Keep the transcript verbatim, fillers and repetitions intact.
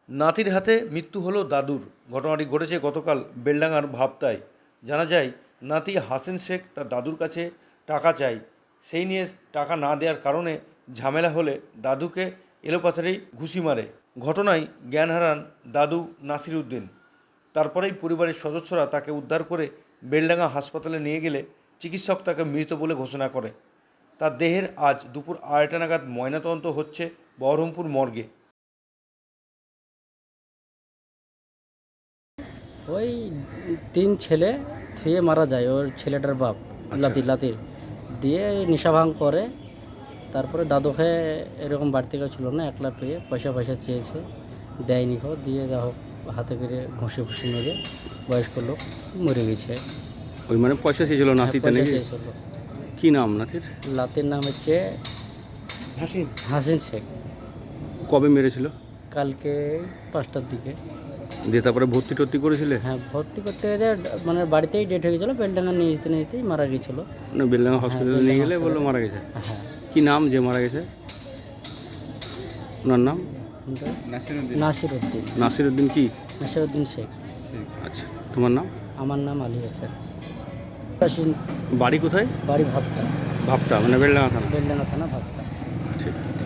নাতির হাতে মৃত্যু হলো দাদুর। ঘটনাটি ঘটেছে গতকাল বেলডাঙার ভাবতায়। জানা যায়, নাতি হাসেন শেখ তার দাদুর কাছে টাকা চায়। সেই নিয়ে টাকা না দেওয়ার কারণে ঝামেলা হলে দাদুকে এলোপাথারি ঘুষি মারে। ঘটনায় জ্ঞান হারান দাদু নাসির উদ্দিন। তারপরেই পরিবারের সদস্যরা তাকে উদ্ধার করে বেলডাঙা হাসপাতালে নিয়ে গেলে চিকিৎসক তাকে মৃত বলে ঘোষণা করে। তার দেহের আজ দুপুর আড়াইটা নাগাদ ময়নাতদন্ত হচ্ছে বহরমপুর মর্গে। ওই তিন ছেলে থুয়ে মারা যায় ওর ছেলেটার বাপ লাতি লাতির দিয়ে নেশা ভাঙ করে। তারপরে দাদুকে এরকম বাড়তি কেউ ছিল না, একলা পেয়ে পয়সা পয়সা চেয়েছে, দেয়নি কো, দিয়ে যা হোক হাতে করে ঘষে ঘুষি মেরে বয়স্ক লোক মরে গেছে। ওই মানে পয়সা চেয়েছিল নাতিতে নাকি? চেয়েছিল। কি নাম নাতির? লাতির নাম হচ্ছে হাসিন হাসিন শেখ। কবে মেরেছিল? কালকে পাঁচটার দিকে। দিয়ে তারপরে ভর্তি টর্তি করেছিলে? হ্যাঁ, ভর্তি করতে গেলে মানে বাড়িতেই ডেট হয়ে গেছিলো, বেলডাঙ্গা নিয়ে যেতে নিয়ে যেতেই মারা গেছিলো। মানে বেলডাঙ্গা হসপিটালে নিয়ে গেলে বললো মারা গেছে। হ্যাঁ। কি নাম যে মারা গেছে? ওনার নাম নাসির উদ্দিন। নাসির উদ্দিন কি? নাসির উদ্দিন শেখ। আচ্ছা, তোমার নাম? আমার নাম আলী হোসেন। বাড়ি কোথায়? বাড়ি ভাবতা। ভাবতা মানে বেলডাঙ্গা থানা? বেলডাঙ্গা থানা ভাবতা। ঠিক।